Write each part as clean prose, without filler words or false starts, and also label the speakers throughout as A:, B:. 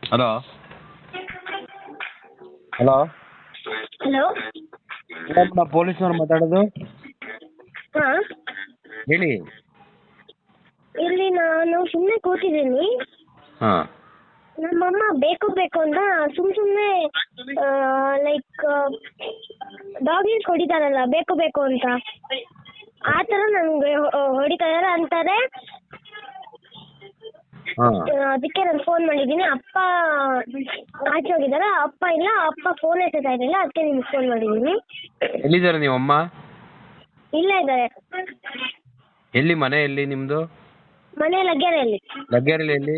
A: Hello hello
B: hello
A: madam ಪೊಲೀಸ್ನವ್ರು ಮಾತಾಡೋದು
B: ಹಾಂ
A: ಹೇಳಿ.
B: ಇಲ್ಲಿ ನಾನು ಸುಮ್ಮನೆ ಕೂತಿದ್ದೀನಿ.
A: ಹಾಂ
B: ನಮ್ಮಮ್ಮ ಬೇಕು ಅಂತ ಸುಮ್ಮನೆ ಲೈಕ್ ಡಾಗಿಸ್ ಹೊಡಿತಾರಲ್ಲ ಬೇಕು ಅಂತ ಆ ಥರ ನನಗೆ ಹೊಡಿತಾ ಇದ್ದಾರೆ ಅಂತಾರೆ.
A: ಹಾಂ
B: ಅದಕ್ಕೆ ನಾನು ಫೋನ್ ಮಾಡಿದ್ದೀನಿ. ಅಪ್ಪ ಆಚೆ ಹೋಗಿದ್ದಾರೆ, ಅಪ್ಪ ಇಲ್ಲ, ಅಪ್ಪ ಫೋನ್ ಎತ್ತುತ್ತಾ ಇರಲಿಲ್ಲ, ಅದಕ್ಕೆ ನಿಮ್ಗೆ ಫೋನ್ ಮಾಡಿದ್ದೀನಿ.
A: ಎಲ್ಲಿದ್ದಾರೆ ನೀವು ಅಮ್ಮ?
B: ಇಲ್ಲ ಇದ್ದಾರೆ.
A: ಎಲ್ಲಿ ಮನೆ ಎಲ್ಲಿ ನಿಮ್ಮದು?
B: ಮನೆ ಲಗ್ಗೆರೆಯಲ್ಲಿ.
A: ಲಗ್ಗೆರೆಯಲ್ಲಿ ಎಲ್ಲಿ?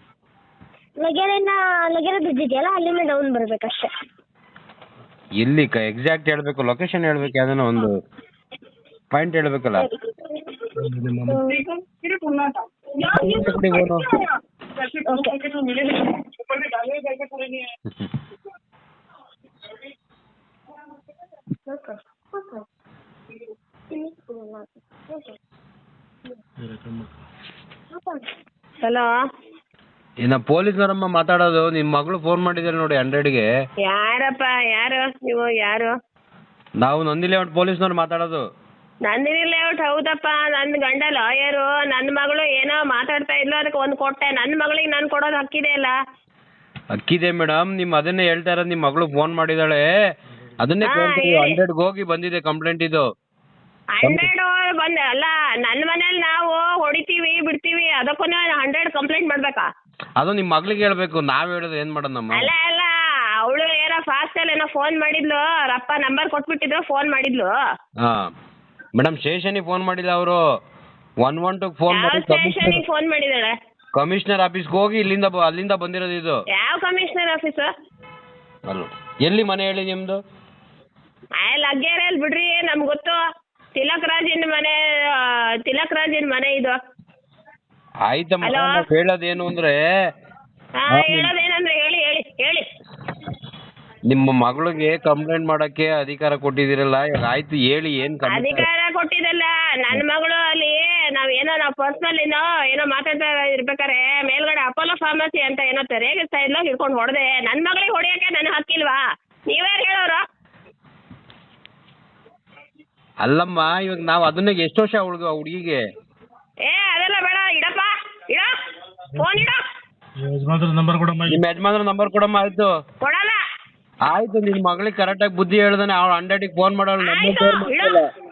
B: ಲಗ್ಗೆರೆ ಬ್ರಿಡ್ಜ್ ಇದೆಯಲ್ಲ ಅಲ್ಲಿಂದ ಡೌನ್ ಬರಬೇಕಷ್ಟೇ.
A: ಎಲ್ಲಿ ಎಕ್ಸಾಕ್ಟ್ ಹೇಳ್ಬೇಕು, ಲೊಕೇಶನ್ ಹೇಳ್ಬೇಕು, ಯಾವ್ದಾನ ಒಂದು ಪಾಯಿಂಟ್ ಹೇಳ್ಬೇಕಲ್ಲ.
B: ಹಲೋ,
A: ಇನ್ನ ಪೊಲೀಸ್ನವರಮ್ಮ ಮಾತಾಡೋದು. ನಿಮ್ಮ ಮಗಳು ಫೋನ್ ಮಾಡಿದ್ದಾರೆ ನೋಡಿ 100ಗೆ.
B: ಯಾರಪ್ಪ? ಯಾರು ನೀವು? ಯಾರು?
A: ನಾವು ನಂದಿಲೆ ಪೊಲೀಸ್ನವ್ರು ಮಾತಾಡೋದು.
B: ನಂದಿನಿ ಲೇಔಟ್ ಹೌದಪ್ಪ. ನನ್ನ ಗಂಡ ಲಾಯರು. ನನ್ನ ಮಗಳು ಏನೋ ಮಾತಾಡ್ತಾ ಇದ್ಲು, ಅದಕ್ಕೆ ಒಂದು ಕೊಟ್ಟೆ. ನನ್ನ ಮಗಳಿಗೆ ನಾನು ಕೊಡೋದು ಹಕ್ಕಿದೆ ಅಲ್ಲ.
A: ಅಕ್ಕಿದೆ ಮೇಡಮ್, ಅದನ್ನೇ ಹೇಳ್ತಾ ಇರೋದು. ನಿಮ್ಮ ಮಗಳು ಫೋನ್ ಮಾಡಿದಾಳೆ, ಅದನ್ನೇ ಕೇಳ್ತೀವಿ. 100ಗೆ ಹೋಗಿ ಬಂದಿದೆ ಕಂಪ್ಲೇಂಟ್ ಇದು.
B: 100 ಬಂದ ಅಲ್ಲ, ನನ್ನ ಮನೇಲಿ ನಾವು ಹೊಡಿತೀವಿ ಬಿಡ್ತೀವಿ, ಅದಕ್ಕೂ 100 ಕಂಪ್ಲೇಂಟ್ ಮಾಡ್ಬೇಕಾ?
A: ಅದು ನಿಮ್ಮ ಮಗಳಿಗೆ ಹೇಳ್ಬೇಕು, ನಾವ್ ಹೇಳೋದು ಏನ್ ಮಾಡೋದಮ್ಮ?
B: ಅಲ್ಲ ಅವಳು ಏನೋ ಫಾಸ್ಟ್ ಅಲ್ಲಿ ಏನೋ ಫೋನ್ ಮಾಡಿದ್ಲು, ಅವ್ರ ಅಪ್ಪ ನಂಬರ್ ಕೊಟ್ಬಿಟ್ಟಿದ್ರು, ಫೋನ್ ಮಾಡಿದ್ಲು.
A: ಹಾ ಮೇಡಮ್, ಸ್ಟೇಷನಿಗೆ ಫೋನ್ ಮಾಡಿಲ್ಲ ಅವರು, 112 ಫೋನ್ ಮಾಡಿ
B: ಸ್ಟೇಷನಿಗೆ ಫೋನ್ ಮಾಡಿದಾಳೆ.
A: ಕಮಿಷನರ್ ಆಫೀಸ್ಗೆ ಹೋಗಿ ಅಲ್ಲಿಂದ ಬಂದಿರೋದು ಇದು.
B: ಯಾವ ಕಮಿಷನರ್ ಆಫೀಸ್?
A: ಅಲ್ಲ, ಎಲ್ಲಿ ಮನೆ ಹೇಳಿ ನಿಮ್ದು?
B: ಲಗ್ಗೆರೆಯಲ್ಲಿ ಬಿಡ್ರಿ, ನಮ್ಗೆ ಗೊತ್ತು. ತಿಲಕ್ ರಾಜಿನ ಮನೆ ಇದು.
A: ಆಯ್ತಮ್ಮ, ಹೇಳೋದೇನು ಅಂದ್ರೆ
B: ಹೇಳೋದೇನಂದ್ರೆ ಹೇಳಿ ಹೇಳಿ ಹೇಳಿ.
A: ನಿಮ್ಮ ಮಗಳಿಗೆ ಕಂಪ್ಲೇಂಟ್ ಮಾಡಕ್ಕೆ ಅಧಿಕಾರ ಕೊಟ್ಟಿದ್ದೀರಲ್ಲ, ಇವಾಗ ಆಯ್ತು ಹೇಳಿ. ಏನ್
B: ಅಧಿಕಾರ ಕೊಟ್ಟಿದ್ದಲ್ಲ, ನನ್ನ ಮಗಳು ಅಲ್ಲಿ ನಾವು ಪರ್ಸನಲ್ ಏನೋ ಮಾತಾಡ್ತಾ ಇರ್ಬೇಕಾರೆ ಮೇಲ್ಗಡೆ ಅಪೋಲೋ ಫಾರ್ಮಸಿ ಅಂತ ಏನೋ ರೇಗಿಸ್ತಾ ಇದ್ಲು, ಹಿಡ್ಕೊಂಡು ಹೊಡೆದೆ. ನನ್ನ ಮಗಳಿಗೆ ಹೊಡಿಯಕ್ಕೆ ನನ್ನ ಹಕ್ಕಿಲ್ವಾ? ನೀವ್ಯಾರು ಹೇಳೋರು?
A: ಅಲ್ಲಮ್ಮ, ಇವಾಗ ನಾವು ಅದನ್ನ ಎಷ್ಟು ವರ್ಷ ಹುಡುಗಿಗೆ?
B: ಅದೆಲ್ಲ ಬೇಡ, ಇಡಪ್ಪ, ಇಡ ಫೋನ್, ಇಡ.
A: ನಿಮ್ಮ ಯಜಮಾನ್ರ ನಂಬರ್ ಕೊಡಮ್ಮ. ಆಯ್ತು
B: ಕೊಡಲ್ಲ.
A: ಆಯ್ತು, ನಿನ್ ಮಗಳಿಗೆ ಕರೆಕ್ಟಾಗಿ ಬುದ್ಧಿ ಹೇಳ್ದಾನೆ. ಅವ್ಳು 100ಗೆ ಫೋನ್ ಮಾಡೋಳು.